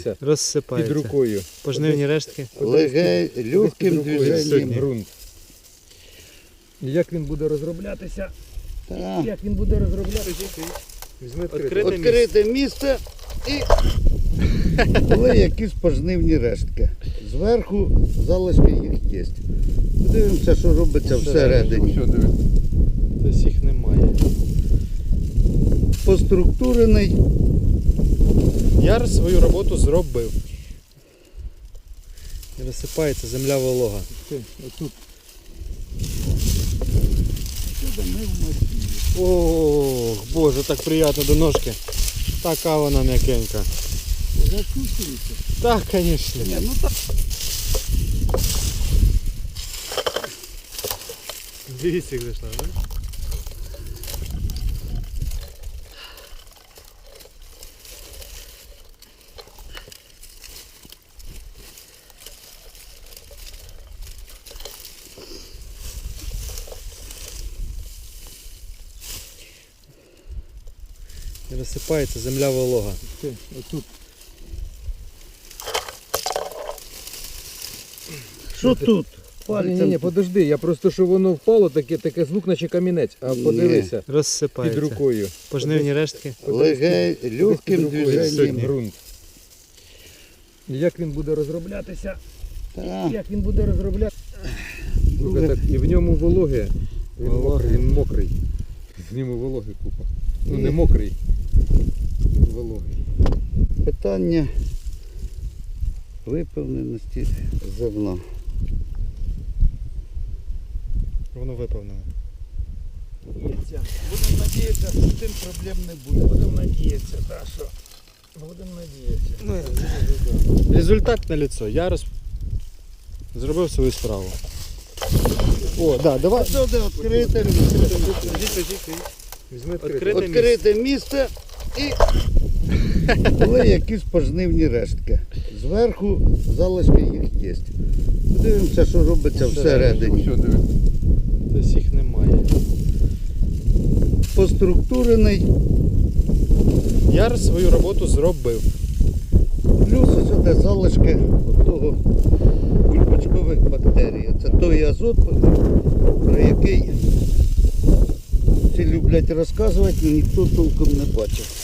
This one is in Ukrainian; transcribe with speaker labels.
Speaker 1: подивися,
Speaker 2: розсипається.
Speaker 1: під рукою.
Speaker 2: Пожнивні рештки.
Speaker 3: Легким движенням.
Speaker 1: Ґрунт. І як він буде розроблятися?
Speaker 3: Так.
Speaker 1: Як він буде розроблятися? Візьми
Speaker 2: Відкрите
Speaker 3: Відкрите місце і були якісь пожнивні рештки. Зверху залишки їх є. Дивимося, що робиться всередині.
Speaker 1: Все, диви.
Speaker 2: Тобто їх немає.
Speaker 3: Поструктурений.
Speaker 2: Яр свою роботу зробив. І розсипається земля волога.
Speaker 1: Отут.
Speaker 2: Ох, боже, так приємно до ножки. Така вона м'якенька.
Speaker 3: Закусується.
Speaker 2: Так, звісно.
Speaker 3: Ну так.
Speaker 2: Дивіться, як зайшла, да? І розсипається земля волога.
Speaker 1: Отут.
Speaker 3: Що тут?
Speaker 1: Ні, подожди, я просто, що воно впало, таке звук, наче камінець. А подивися, під
Speaker 2: Розсипається.
Speaker 1: рукою.
Speaker 2: Пожнивні рештки.
Speaker 3: Легким движенням.
Speaker 1: Ґрунт. І як він буде розроблятися?
Speaker 3: Так.
Speaker 1: Як він буде розроблятися? Так, і в ньому вологе. Він мокрий. В ньому вологи купа. Ну не мокрий. Вологий.
Speaker 3: Питання виповненості зерна.
Speaker 2: Воно виповнене.
Speaker 3: Будемо надіятися, що з цим проблем не буде. Будемо надіятися, так, що будемо надіятися.
Speaker 2: Результат на лицо. Я зробив свою справу. О, да, давай.
Speaker 3: Що де відкрите?
Speaker 1: Візьми
Speaker 3: Відкрите місце і були якісь пожнивні рештки. Зверху залишки їх є. Дивимося, що робиться всередині.
Speaker 1: Все, диви.
Speaker 2: Тобто їх немає.
Speaker 3: Поструктурений.
Speaker 2: Яр свою роботу зробив.
Speaker 3: Плюс ось де залишки того бульбочкових бактерій. Це той азот, про який всі люблять розказувати, але ніхто толком не бачив.